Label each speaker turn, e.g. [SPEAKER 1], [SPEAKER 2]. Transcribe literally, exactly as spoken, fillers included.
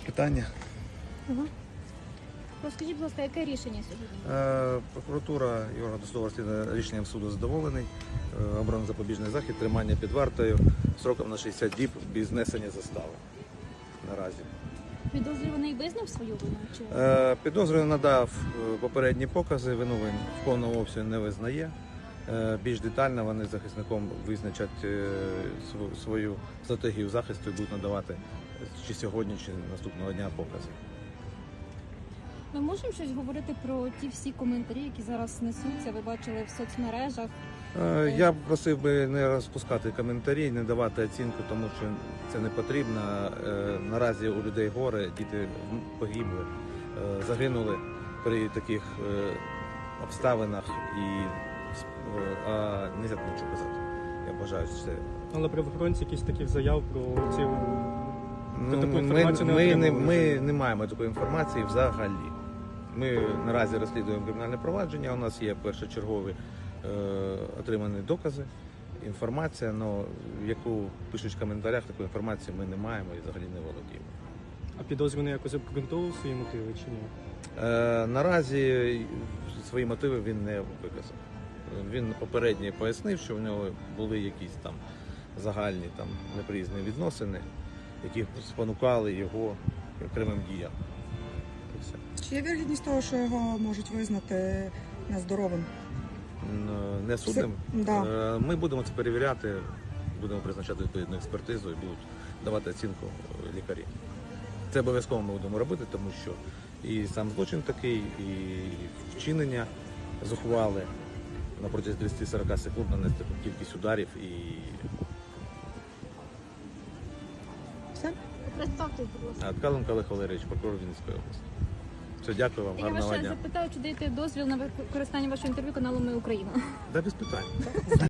[SPEAKER 1] питання.
[SPEAKER 2] Угу. Розкажіть, будь ласка, яке рішення сьогодні?
[SPEAKER 1] Е, Прокуратура і орган досудового розслідування рішенням суду задоволений. Е, Обрано запобіжний захід, тримання під вартою строком на шістдесят діб без знесення застави наразі.
[SPEAKER 2] Підозрюваний визнав свою вину? Чи...
[SPEAKER 1] Е, Підозрюваний надав е, попередні покази, вину він в повному обсязі не визнає. Е, Більш детально вони з захисником визначать е, св- свою стратегію захисту і будуть надавати чи сьогодні, чи наступного дня покази.
[SPEAKER 2] Ми можемо щось говорити про ті всі коментарі, які зараз несуться, ви бачили в соцмережах?
[SPEAKER 1] Е, Я б просив би не розпускати коментарі, не давати оцінку, тому що це не потрібно. Е, Наразі у людей горе, діти погибли, е, загинули при таких е, обставинах і е, а не можна нічого казати. Я бажаю, що це.
[SPEAKER 3] Але правоохоронці якісь таких заяв про ці
[SPEAKER 1] Ну,
[SPEAKER 3] таку
[SPEAKER 1] ми,
[SPEAKER 3] інформацію не
[SPEAKER 1] ми, не,
[SPEAKER 3] отримували?
[SPEAKER 1] ми не маємо такої інформації взагалі. Ми наразі розслідуємо кримінальне провадження, у нас є першочергові е, отримані докази, інформація, але яку пишуть в коментарях, таку інформацію ми не маємо і взагалі не володіємо.
[SPEAKER 3] А підозрюваний якось обґрунтовував свої мотиви чи ні?
[SPEAKER 1] Е, наразі свої мотиви він не виказав. Він попередньо пояснив, що в нього були якісь там загальні там неприязні відносини, які спонукали його окремим діям. І все.
[SPEAKER 4] Чи є вірогідність того, що його можуть визнати нездоровим?
[SPEAKER 1] Н- Не судним.
[SPEAKER 4] Це- да.
[SPEAKER 1] Е, Ми будемо це перевіряти, будемо призначати відповідну експертизу і будуть давати оцінку е, лікарі. Це обов'язково ми будемо робити, тому що і сам злочин такий, і вчинення зухвали на протязі тридцять-сорок секунд нанести таку кількість ударів і
[SPEAKER 4] Все?
[SPEAKER 2] Представте, будь ласка.
[SPEAKER 1] Ткаленко Олег Валерійович, прокурор Вінницької області. Все, дякую вам,
[SPEAKER 2] Я
[SPEAKER 1] гарного
[SPEAKER 2] вас ще
[SPEAKER 1] дня.
[SPEAKER 2] запитаю, чи даєте дозвіл на використання вашого інтерв'ю каналу «Ми Україна».
[SPEAKER 1] Да, без питань.